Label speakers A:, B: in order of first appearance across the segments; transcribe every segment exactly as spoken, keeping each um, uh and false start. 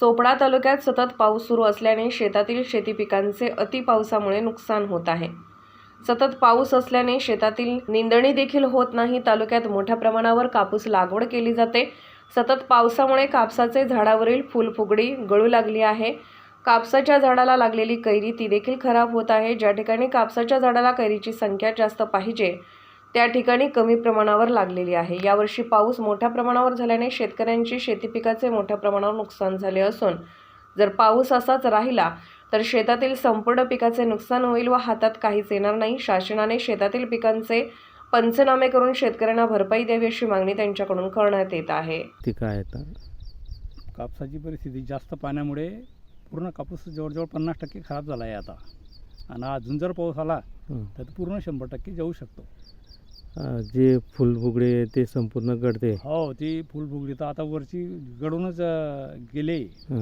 A: चोपडा तालुक्यात सतत पाऊस सुरू असल्याने शेतातील शेती पिकांचे अति पावसामुळे नुकसान होत आहे। सतत पाऊस असल्याने शेतातील निंदणी देखील होत नाही। तालुक्यात मोठ्या प्रमाणावर कापूस लागवड केली जाते। सतत पावसामुळे कापसाचे झाडावरील फुलफुगडी गळू लागली आहे। कापसाच्या झाडाला लागलेली कैरी ती देखील खराब होत आहे। ज्या ठिकाणी कापसाच्या झाडाला कैरीची संख्या जास्त पाहिजे त्या ठिकाणी कमी प्रमाणावर लागलेली आहे। यावर्षी पाऊस मोठ्या प्रमाणावर झाल्याने शेतकऱ्यांची शेती पिकाचे मोठ्या प्रमाणावर नुकसान झाले असून जर पाऊस असाच राहिला तर शेतातील संपूर्ण पिकाचे नुकसान होईल व हातात काहीच येणार नाही। शासनाने शेतातील पिकांचे पंचनामे करून शेतकऱ्यांना भरपाई द्यावी अशी मागणी त्यांच्याकडून करण्यात येत आहे।
B: ती काय आता
C: कापसाची परिस्थिती जास्त पाण्यामुळे पूर्ण कापूस जवळजवळ पन्नास टक्के खराब झाला आहे आता, आणि अजून जर पाऊस आला तर पूर्ण शंभर टक्के जाऊ शकतो।
B: जे फुलफुगडे ते संपूर्ण गळते।
C: हो, ती फुलफुगडी तर आता वरची गळूनच गेले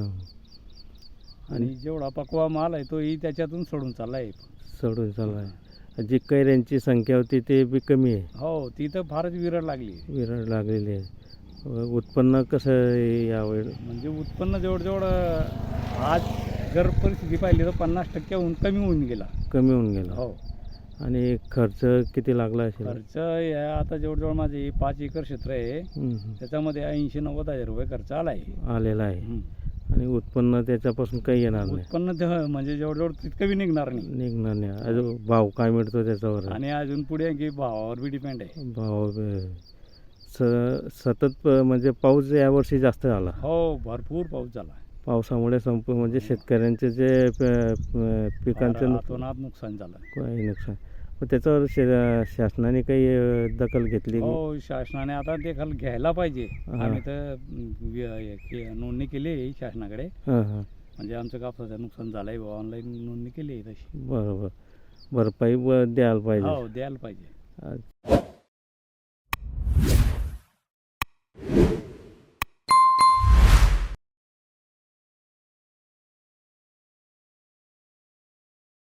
C: आणि जेवढा पकवा माल आहे तोही त्याच्यातून सोडून चालला आहे
B: सोडून चालला आहे। जी कैऱ्यांची संख्या होती ते बी कमी आहे।
C: हो, ती तर फारच विरळ लागली
B: विरळ लागलेली आहे। उत्पन्न कसं आहे यावेळी?
C: म्हणजे उत्पन्न जवळजवळ आज जर परिस्थिती पाहिली तर पन्नास टक्क्याहून कमी होऊन गेला
B: कमी होऊन गेला।
C: हो,
B: आणि खर्च किती लागला असेल?
C: खर्च या आता जवळजवळ माझे पाच एकर क्षेत्र आहे, त्याच्यामध्ये ऐंशी नव्वद हजार रुपये खर्च आला आहे
B: आलेला आहे। आणि उत्पन्न त्याच्यापासून काही येणार नाही?
C: उत्पन्न ते म्हणजे जवळजवळ तितकं बी निघणार नाही
B: निघणार नाही। अजून भाव काय मिळतो त्याच्यावर?
C: आणि अजून पुढे की भावावर बी डिपेंड आहे।
B: भाव स सतत म्हणजे पाऊस यावर्षी जास्त झाला।
C: हो, भरपूर पाऊस झाला।
B: पावसामुळे संपूर्ण म्हणजे शेतकऱ्यांचे जे पिकांचं
C: अतोनात नुकसान झालं।
B: काही नुकसान, पण त्याच्यावर शा शासनाने काही दखल घेतली?
C: हो, शासनाने आता दखल घ्यायला पाहिजे। आम्ही तर नोंदणी केली आहे शासनाकडे,
B: हां हां
C: म्हणजे आमचं कापसाचं नुकसान झालं आहे, ऑनलाईन नोंदणी केली आहे तशी।
B: बरोबर, भरपाई द्यायला पाहिजे।
C: हो, द्यायला पाहिजे।